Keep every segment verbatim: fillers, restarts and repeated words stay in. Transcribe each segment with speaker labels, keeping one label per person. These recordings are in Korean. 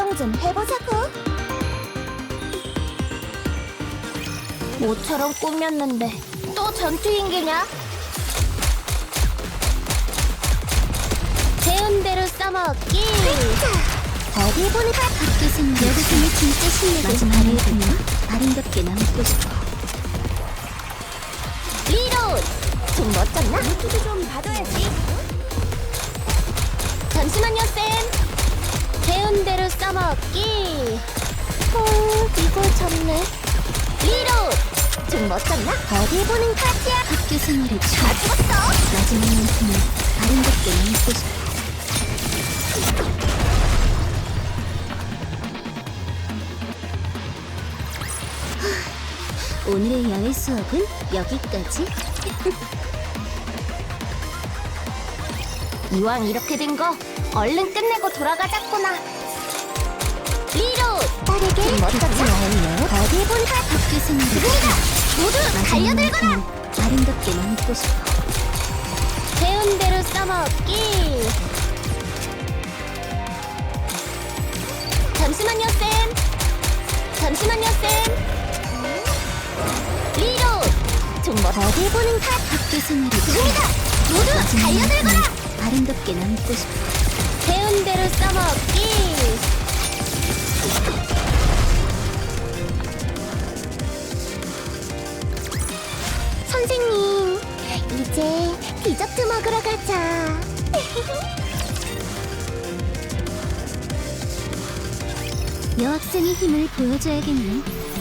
Speaker 1: 구경 좀 해보자고. 모처럼 꾸몄는데 또 전투인계냐? 배운 대로 써먹기. 어디 보는 가 밖에서는 여기서는 진짜 실력을 발휘해보면 아름답게 남고 싶어. 리로드! 좀 멋졌나? 유튜브 좀 봐둬야지. 잠시만요, 쌤. 배운 대로 써먹기. 어, 이거 좋네. 리로드! 좀 멋졌나? 어디 보는 카지야? 학교 생활에 다 죽었어! 마지막만큼은 아름답게 남고 싶어. 오늘의 야외 수업은 여기까지. 이왕 이렇게 된 거 얼른 끝내고 돌아가자꾸나. 리로드! 빠르게 멋졌나? 어디 보는 가 학교 생활에 모두 달려들거라! 아름답게 남고 싶어. 배운 대로 써먹기. 잠시만요, 쌤. 잠시만요, 쌤. 리로드! 좀 멋. 어디 보는 가 학교 생활에 지금이다! 모두 달려들거라! 아름답게 남고 싶어. 배운 대로 써먹기. 선생님, 이제 디저트 먹으러 가자. 여학생의 힘을 보여줘야겠네.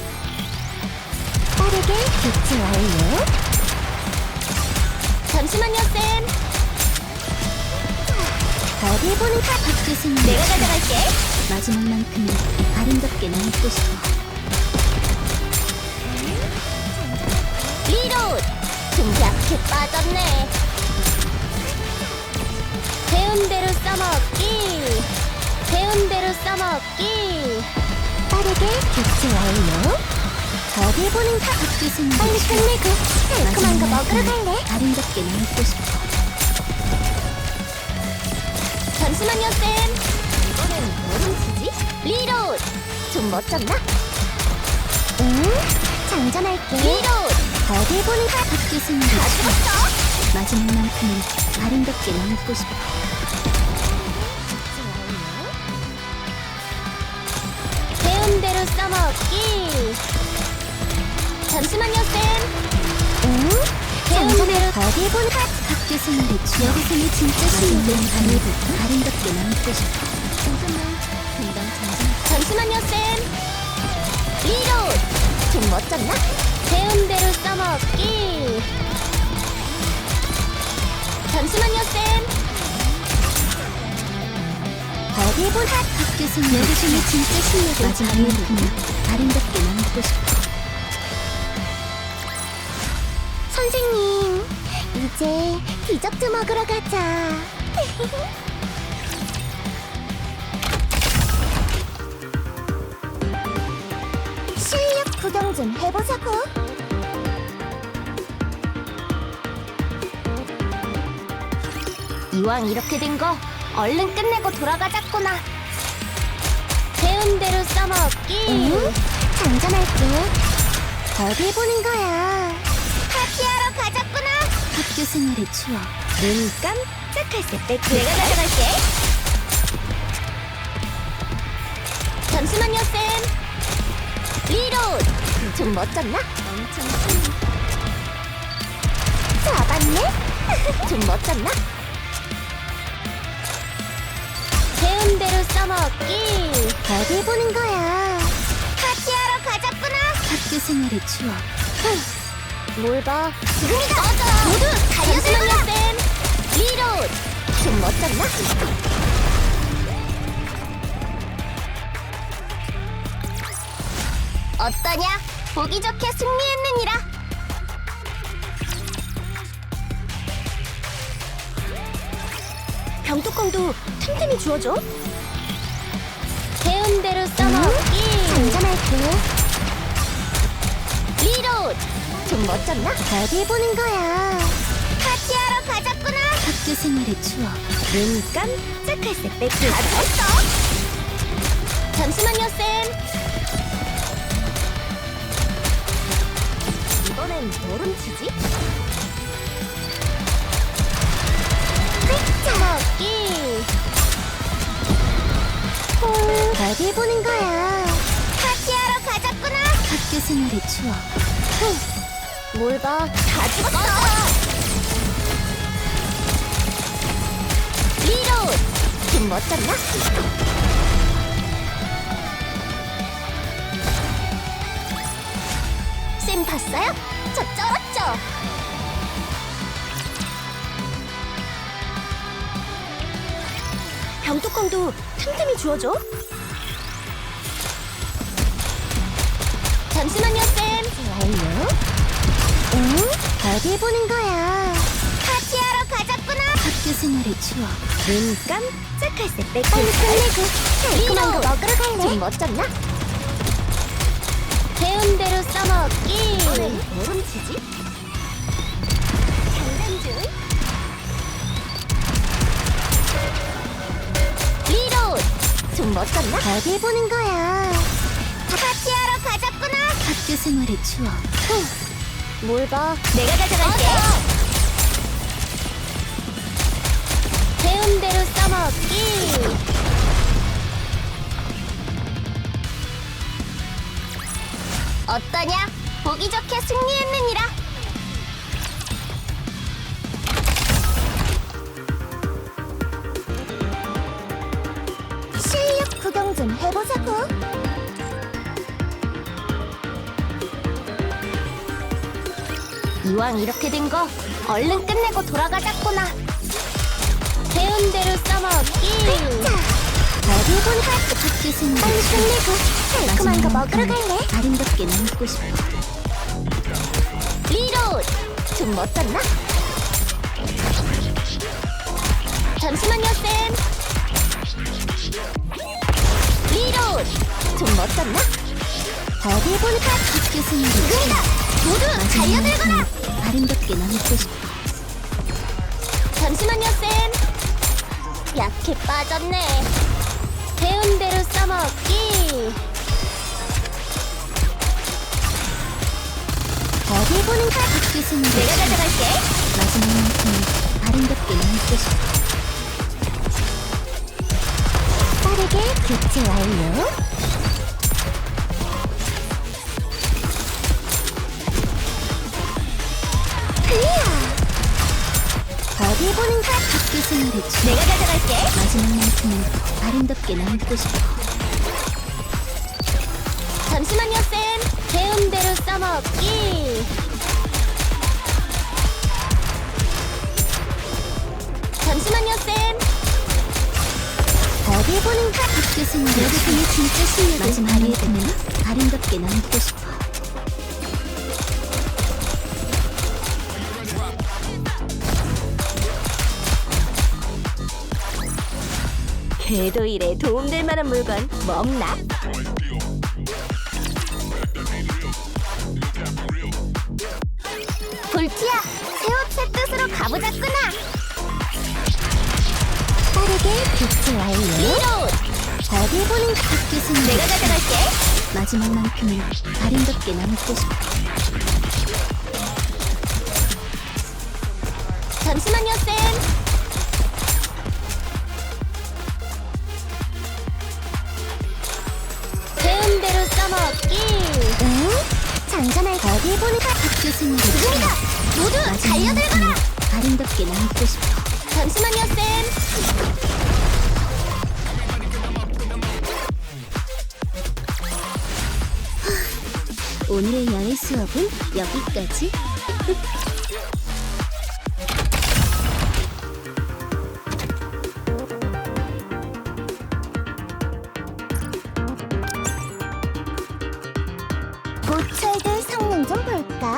Speaker 1: 빠르게 교체 완료. 잠시만요, 쌤. 어디 보는 카 학교생 내가 가져갈게. 마지막만큼은 아름답게 남고 싶어. 리로드! 좀 약해 빠졌네. 배운 대로 써먹기. 배운 대로 써먹기. 빠르게 교체 완료. 어디 보는 카 학교생 빨리 끝내고 달콤한 거 먹으러 갈래? 아름답게 남고 싶어. 잠시만요, 쌤. 이번엔 뭘 훔치지? 리로드! 좀 멋졌나? 응? 장전할게. 리로드! 어디 보는 가 학교생 다 죽었어! 마지막만큼은 아름답게 남고 싶어. 배운 대로 써먹기. 잠시만요, 쌤. 응? 배운 대로 어디 보는 가 학교 생활에 여기서는 진짜 실력을 발휘해볼까? 아름답게 남고 싶어. 잠깐만, 금방 잠깐. 잠시만요, 쌤. 리로드! 좀 멋졌나? 배운 대로 써먹기. 잠시만요, 쌤. 어디 본 학 학교 생활 여기서는 진짜 실력을 발휘해볼까? 아름답게 남고 싶어. 선생님, 이제 디저트 먹으러 가자. 실력 구경 좀 해보자고. 이왕 이렇게 된 거 얼른 끝내고 돌아가자꾸나. 배운 대로 써먹기. 응? 장전할게. 어디 보는 거야? 파티하러 가자꾸나. 학교 생활의 추억. 눈 깜짝할 새 뺏고 내가 가져갈게. 잠시만요, 쌤. 리로드! 좀 멋졌나? 엄청 잡았네? 좀 멋졌나? 배운 대로 써먹기. 어디 보는 거야? 파티하러 가자꾸나. 학교 생활의 추억. 뭘 봐? 지금이다! 맞아! 모두 달려들거라! 쌤! 리로드! 좀 멋졌나? 어떠냐? 보기 좋게 승리했느니라! 병뚜껑도 틈틈이 주워줘. 배운 대로 써먹기. 응? 장전할게. 리로드! 좀 멋졌나? 어디 보는 거야? 파티하러 가자꾸나. 학교 생활의 추억. 눈 깜짝할 새 뺏고 다 죽었어. 잠시만요, 쌤. 이번엔 뭘 훔치지? 먹기. 헐, 어디 보는 거야? 파티하러 가자꾸나. 학교 생활의 추억. 흥, 뭘 봐? 다 죽었어. 리로드. 좀 멋졌나? 쌤 봤어요? 저 쩔었죠? 병뚜껑도 틈틈이 주워줘. 잠시만요, 쌤. 완료. 응? 어디 보는 거야? 파티하러 가자꾸나. 학교 생활의 추억. 눈 깜짝할 새 빼고. 빨리 끝내고 달콤한 거 먹으러 갈래? 좀 멋졌나? 배운 대로 써먹기. 오늘 뭘 훔치지? 장난줄. 리로드. 좀 멋졌나? 어디 보는 거야? 파티하러 가자꾸나. 학교 생활의 추억. 흥, 뭘 봐? 내가 가져갈게. 배운 대로 써먹기. 어떠냐? 보기 좋게 승리했느니라. 실력 구경 좀 해보자고. 이왕 이렇게 된 거 얼른 끝내고 돌아가자꾸나. 배운 대로 써먹기. 어디 본 학교 학교 생활. 빨리 끝내고 달콤한 거 먹으러 갈래? 아름답게 남고 싶어. 리로드. 좀 멋졌나? 잠시만요, 쌤. 리로드. 좀 멋졌나? 어디 본 학교 생활. 지금이다. 모두 달려들거라. 아름답게 남고 싶어. 잠시만요, 쌤. 약해 빠졌네. 배운 대로 써먹기. 어디 보는 가? 학교 생활. 내가 가져갈게. 마지막만큼 아름답게 남고 싶어. 빠르게 교체 완료. 어디 보는 가? 학교 생활의 추억. 내가 가져갈게. 마지막만큼은 아름답게 남고 싶어. 잠시만요, 쌤. 배운 대로 써먹기. 잠시만요, 쌤. 어디 보는 가? 학교 생활의 추억. 진짜 실력을 마지막만큼은 아름답게 남고 싶어. 궤도 일에 도움될 만한 물건 뭐 없나? 볼티야, 새 옷 새 뜻으로 가보자꾸나. 빠르게 교체 완료. 리로드. 어디 보는 학교 생활. 내가 가져갈게. 마지막만큼은 아름답게 남고 싶어. 잠시만요, 쌤. 배운 대로 써먹기. 응? 장전할 어디 보는 가? 학교 생활. 지금이다. 모두 달려들거라. 아름답게 남고 싶어. 잠시만요, 쌤. 오늘의 야외 수업은 여기까지. 고철들 성능 좀 볼까?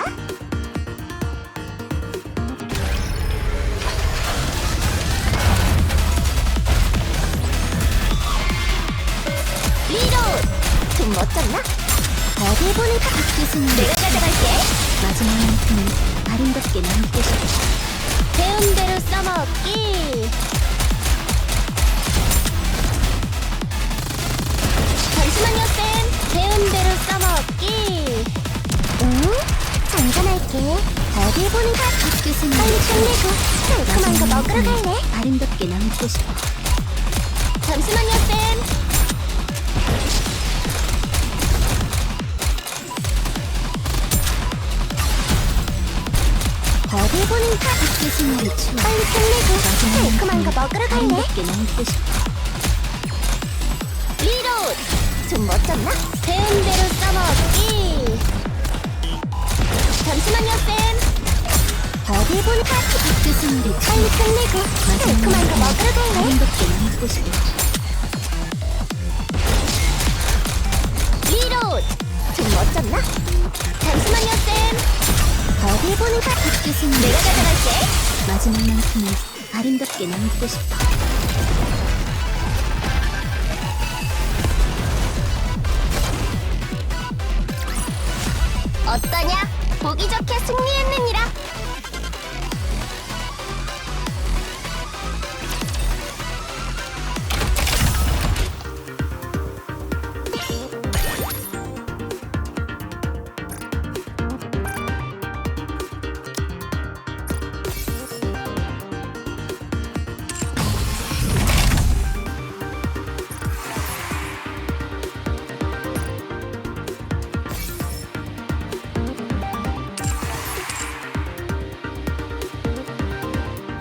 Speaker 1: 리로드. 좀 멋졌나? 어디 보는 가? 학교 생활. 내가 가져갈게. 마지막만큼은 아름답게 남고 싶어. 배운 대로 써먹기. 어디 보는 가 학교 생활 빨리 끝내고 달콤한 거 먹으러 갈래? 아름답게 남고 싶어. 잠시만요 쌤. 어디 보는 가 학교 생활이 추워. 빨리 끝내고 달콤한 거 먹으러 갈래? 아름답게 남고 싶어. 리로드! 좀 멋졌나? 배운 대로 써먹기. 잠시만요 쌤. 어디 보는 가 학교 생활이 빨리 끝내고 달콤한 거 먹으러 갈래? 아름답게 남고 싶어. 리로드! 좀 멋졌나? 잠시만요 쌤. 어디 보는 가 학교 생활 내가 가져갈게. 마지막만큼은 아름답게 남고 싶어. 어떠냐? 보기 좋게 승리했느냐?